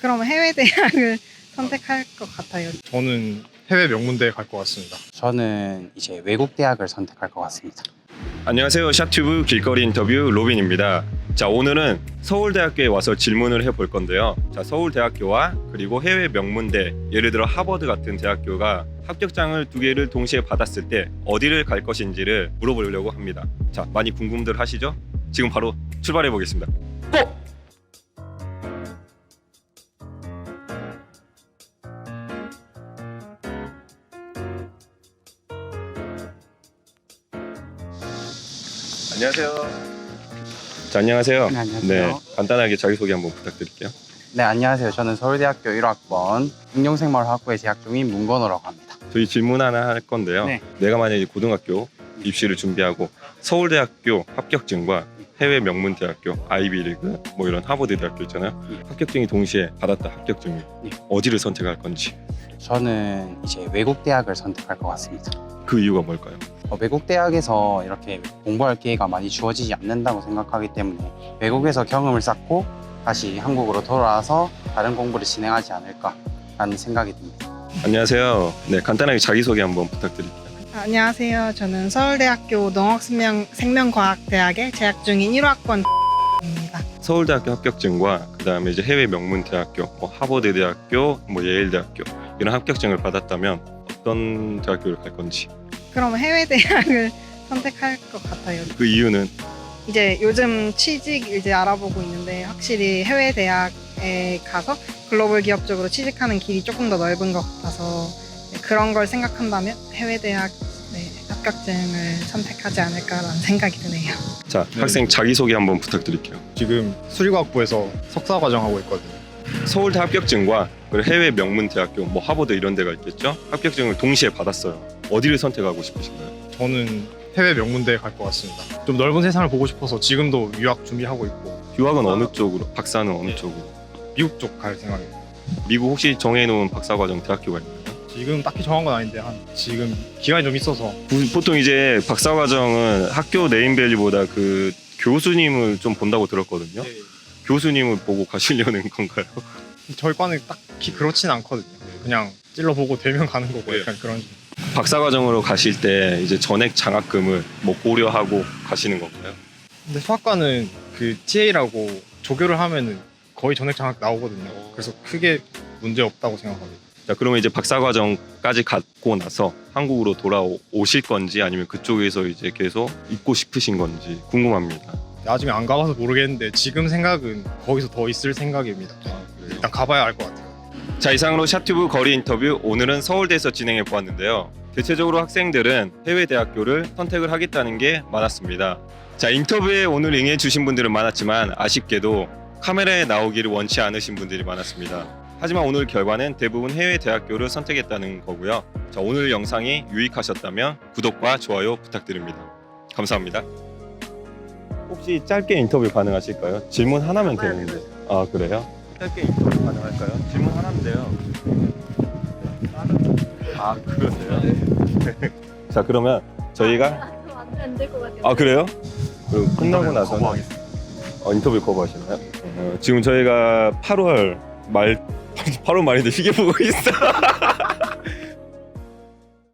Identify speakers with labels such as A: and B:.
A: 그럼 해외 대학을 선택할 것 같아요.
B: 저는 해외 명문대에 갈 것 같습니다.
C: 저는 이제 외국 대학을 선택할 것 같습니다.
D: 안녕하세요. 샵튜브 길거리 인터뷰 로빈입니다. 자, 오늘은 서울대학교에 와서 질문을 해볼 건데요. 자, 서울대학교와 그리고 해외 명문대, 예를 들어 하버드 같은 대학교가 합격장을 두 개를 동시에 받았을 때 어디를 갈 것인지를 물어보려고 합니다. 자, 많이 궁금들 하시죠? 지금 바로 출발해 보겠습니다. 고! 안녕하세요. 자, 안녕하세요.
C: 네, 안녕하세요.
D: 간단하게 자기소개 한번 부탁드릴게요.
C: 네, 안녕하세요. 저는 서울대학교 1학번 응용생물학부에 재학 중인 문건호라고 합니다.
D: 저희 질문 하나 할 건데요.
C: 네.
D: 내가 만약에 고등학교 입시를 준비하고 서울대학교 합격증과 해외 명문대학교, 아이비리그, 뭐 이런 하버드 대학교 있잖아요. 합격증이 동시에 받았다 합격증이
C: 네.
D: 어디를 선택할 건지
C: 저는 이제 외국 대학을 선택할 것 같습니다.
D: 그 이유가 뭘까요?
C: 외국 대학에서 이렇게 공부할 기회가 많이 주어지지 않는다고 생각하기 때문에 외국에서 경험을 쌓고 다시 한국으로 돌아와서 다른 공부를 진행하지 않을까라는 생각이 듭니다.
D: 안녕하세요. 네, 간단하게 자기소개 한번 부탁드릴게요.
A: 안녕하세요. 저는 서울대학교 농업생명과학대학에 재학 중인 1학번입니다.
D: 서울대학교 합격증과 그다음에 이제 해외 명문대학교, 뭐 하버드 대학교, 뭐 예일대학교 이런 합격증을 받았다면 어떤 대학교를 갈 건지
A: 그럼 해외 대학을 선택할 것 같아요.
D: 그 이유는
A: 이제 요즘 취직 이제 알아보고 있는데 확실히 해외 대학에 가서 글로벌 기업 쪽으로 취직하는 길이 조금 더 넓은 것 같아서 그런 걸 생각한다면 해외 대학 합격증을 선택하지 않을까라는 생각이 드네요.
D: 자,
B: 네.
D: 학생 자기소개 한번 부탁드릴게요.
B: 지금 수리과학부에서 석사 과정 하고 있거든요.
D: 서울대 합격증과 그리고 해외 명문대학교, 뭐 하버드 이런 데가 있겠죠? 합격증을 동시에 받았어요. 어디를 선택하고 싶으신가요?
B: 저는 해외 명문대에 갈 것 같습니다. 좀 넓은 세상을 보고 싶어서 지금도 유학 준비하고 있고
D: 유학은 어느 쪽으로? 박사는 어느 쪽으로?
B: 미국 쪽 갈 생각입니다.
D: 미국 혹시 정해놓은 박사과정 대학교가 있나요?
B: 지금 딱히 정한 건 아닌데 지금 기간이 좀 있어서
D: 보통 이제 박사과정은 학교 네임밸류보다 그 교수님을 좀 본다고 들었거든요. 교수님을 보고 가시려는 건가요?
B: 저희 과는 딱히 그렇진 않거든요. 그냥 찔러보고 되면 가는 거고 약간 그런 식으로.
D: 박사과정으로 가실 때 이제 전액 장학금을 뭐 고려하고 가시는 건가요?
B: 근데 수학과는 그 TA라고 조교를 하면은 거의 전액 장학 나오거든요. 그래서 크게 문제 없다고 생각합니다.
D: 자, 그러면 이제 박사과정까지 갖고 나서 한국으로 돌아오실 건지 아니면 그쪽에서 이제 계속 있고 싶으신 건지 궁금합니다.
B: 나중에 안 가봐서 모르겠는데 지금 생각은 거기서 더 있을 생각입니다. 일단 가봐야 알 것 같아요.
D: 자, 이상으로 샵튜브 거리 인터뷰 오늘은 서울대에서 진행해 보았는데요. 대체적으로 학생들은 해외 대학교를 선택을 하겠다는 게 많았습니다. 자, 인터뷰에 오늘 응해 주신 분들은 많았지만 아쉽게도 카메라에 나오기를 원치 않으신 분들이 많았습니다. 하지만 오늘 결과는 대부분 해외 대학교를 선택했다는 거고요. 자, 오늘 영상이 유익하셨다면 구독과 좋아요 부탁드립니다. 감사합니다. 혹시 짧게 인터뷰 가능하실까요? 질문 하나면 되는데. 아, 그래요? 짧게 인터뷰 가능할까요? 질문 하나인데요. 아, 그러세요? 자, 그러면 저희가
E: 안될 것 같아요.
D: 아, 그래요? 그럼 끝나고 나서 인터뷰 거부하시나요? 지금 저희가 8월 말인데 시계 보고 있어.